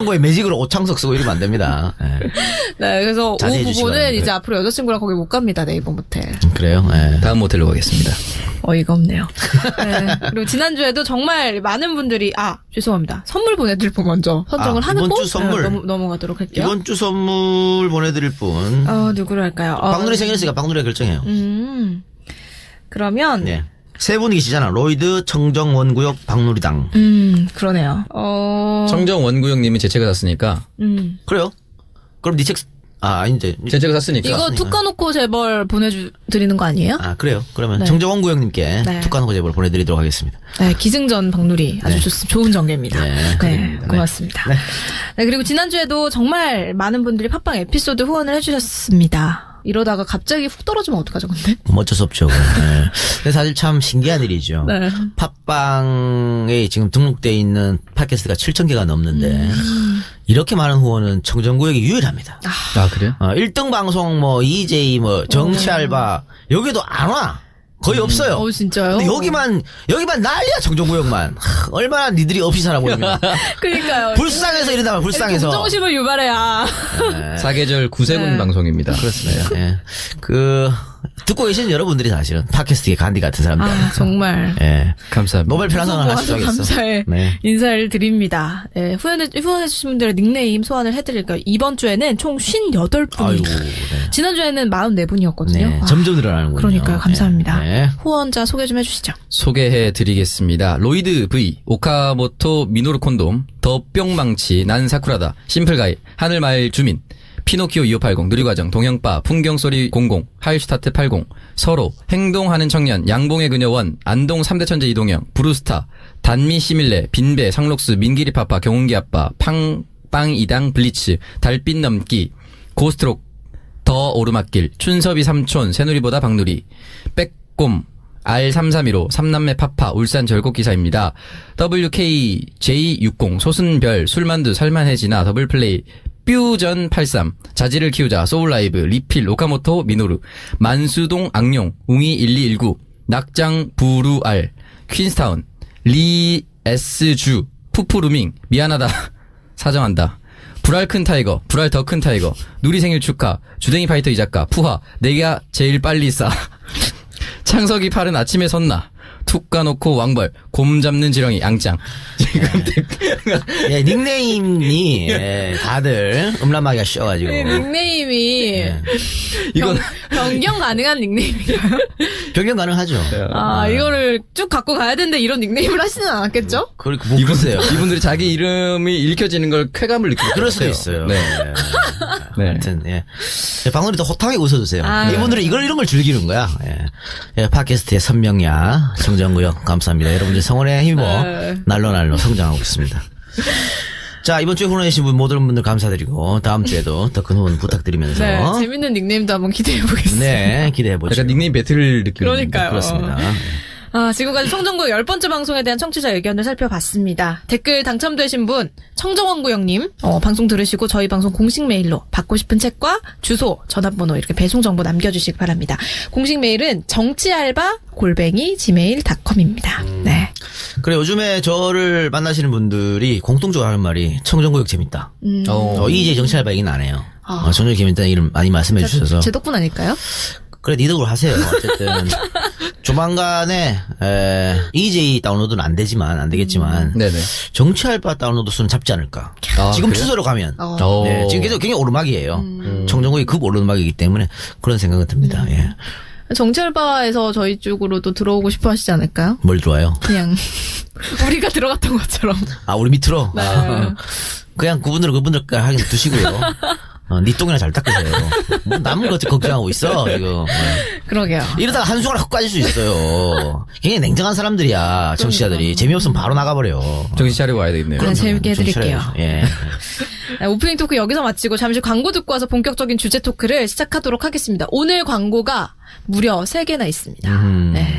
홍보에 매직으로 오창석 쓰고 이러면 안 됩니다. 네. 네, 그래서 자제해 오 주시기 부부는 바랍니다. 이제 앞으로 여자친구랑 거기 못 갑니다. 네이버 모텔. 그래요? 네. 다음 모텔로 가겠습니다. 어이가 없네요. 네. 그리고 지난주에도 정말 많은 분들이 죄송합니다. 선물 보내드릴 분 먼저 선정을 하고 이번 주 선물. 넘어가도록 할게요. 이번 주 선물 보내드릴 분. 누구로 할까요? 박누리 생일이니까 박누리가 결정해요. 그러면 네. 세 분이 계시잖아. 로이드, 청정원구역, 박누리당. 그러네요. 청정 원구형님이 제 책을 샀으니까. 그래요? 그럼 네 책, 아닌데. 제 책을 샀으니까. 이거 툭 까놓고 재벌 보내드리는 거 아니에요? 그래요? 그러면 네. 청정원구역님께 네. 툭하는 제보를 보내드리도록 하겠습니다. 네, 기승전 박누리 아주 좋은 전개입니다. 네, 그립니다. 고맙습니다. 네. 네, 그리고 지난주에도 정말 많은 분들이 팟빵 에피소드 후원을 해주셨습니다. 이러다가 갑자기 훅 떨어지면 어떡하죠, 근데? 뭐 어쩔 수 없죠. 네. 근데 사실 참 신기한 일이죠. 네. 팟빵에 지금 등록되어 있는 팟캐스트가 7,000개가 넘는데 이렇게 많은 후원은 청정구역이 유일합니다. 그래요? 1등 방송 EJ 정치 알바 여기도 안 와. 거의 없어요. 진짜요? 근데 여기만 난리야, 청정구역만. 얼마나 니들이 없이 살아 보입니다. 그러니까요. 불쌍해서 이러다가 불쌍해서. 동정심을 유발해야. 사계절 구세군 네. 방송입니다. 그렇습니다. 예. 듣고 계신 여러분들이 사실은 팟캐스트의 간디 같은 사람들. 정말. 예. 감사합니다. 노벨 평화상을 하시죠. 감사의 네. 인사를 드립니다. 네, 후원해주신 분들의 닉네임 소환을 해드릴까요? 이번 주에는 총 58분이. 아이고, 네. 지난주에는 44분이었거든요. 네. 점점 늘어나는군요. 그러니까요. 감사합니다. 네. 후원자 소개 좀 해주시죠. 소개해드리겠습니다. 로이드 V, 오카모토 미노루 콘돔, 더 뿅망치, 난 사쿠라다, 심플가이, 하늘마을 주민, 피노키오 2580, 누리과정, 동영바, 풍경소리 00, 하이슈타트 80, 서로, 행동하는 청년, 양봉의 그녀원, 안동 3대 천재 이동형, 브루스타, 단미 시밀레, 빈배, 상록수, 민기리 파파, 경운기 아빠, 빵 이당 블리츠, 달빛 넘기, 고스트록, 더 오르막길, 춘섭이 삼촌, 새누리보다 박누리, 빼꼼, R3315, 삼남매 파파, 울산 절곡기사입니다. WKJ60, 소순별, 술만두, 살만해지나, 더블플레이, 뾰전 83, 자지를 키우자, 소울라이브, 리필, 오카모토, 미노루, 만수동, 악룡, 웅이 1219, 낙장, 부루알, 퀸스타운, 리, S주, 푸푸루밍, 미안하다, 사정한다. 불알 큰 타이거, 불알 더 큰 타이거, 누리 생일 축하, 주댕이 파이터 이작가, 푸하, 내가 제일 빨리 싸. 창석이 팔은 아침에 섰나. 툭 까놓고 왕벌, 곰 잡는 지렁이, 양짱. 지금 예, 닉네임이 다들 음란마귀가 씌워가지고. 닉네임이 이건 변경 가능한 닉네임인가요? 변경 가능하죠. 이거를 쭉 갖고 가야 되는데 이런 닉네임을 하시는 않았겠죠? 그리고 뭐 글쎄요. 이분들이 자기 이름이 읽혀지는 걸 쾌감을 느끼고 그럴 수도 있어요. 네. 네. 하여튼, 박누리도 호탕하게 웃어주세요. 네. 이분들은 이런 걸 즐기는 거야. 팟캐스트의 선명야, 청정구역, 감사합니다. 여러분들 성원에 힘입어 날로 성장하고 있습니다. 자, 이번 주에 후원해주신 모든 분들 감사드리고, 다음 주에도 더 큰 후원 부탁드리면서. 네, 재밌는 닉네임도 한번 기대해보겠습니다. 네, 기대해보죠. 약간 닉네임 배틀 느낌. 그러니까요. 그렇습니다. 지금까지 청정구역 10번째 방송에 대한 청취자 의견을 살펴봤습니다. 댓글 당첨되신 분, 청정원구역님, 방송 들으시고 저희 방송 공식 메일로 받고 싶은 책과 주소, 전화번호 이렇게 배송 정보 남겨주시기 바랍니다. 공식 메일은 정치알바@gmail.com입니다. 네. 그래, 요즘에 저를 만나시는 분들이 공통적으로 하는 말이 청정구역 재밌다. 이제 정치알바 얘기는 안 해요. 청정구역 재밌다는 이름 많이 말씀해 주셔서. 제 덕분 아닐까요? 그래, 니덕으로 하세요. 어쨌든 조만간에 EJ 다운로드는 안 되겠지만 네네. 정치알바 다운로드 수는 잡지 않을까. 지금 그래요? 추세로 가면 오. 네, 지금 계속 굉장히 오르막이에요. 청정구역이 급 오르막이기 때문에 그런 생각은 듭니다. 예. 정치알바에서 저희 쪽으로도 들어오고 싶어 하시지 않을까요? 뭘 좋아요? 그냥 우리가 들어갔던 것처럼. 우리 밑으로. 네. 그냥 그분들 하긴 두시고요. 니 똥이나 잘 닦으세요. 뭐 남은 것 걱정하고 있어 지금. 그러게요. 이러다가 한순간에 훅 빠질 수 있어요. 굉장히 냉정한 사람들이야, 정치자들이. 재미없으면 바로 나가버려. 정신 차리고 와야 되겠네요. 네, 재밌게 정신 해드릴게요. 차려야죠. 예. 네, 오프닝 토크 여기서 마치고 잠시 광고 듣고 와서 본격적인 주제 토크를 시작하도록 하겠습니다. 오늘 광고가 무려 3개나 있습니다. 네.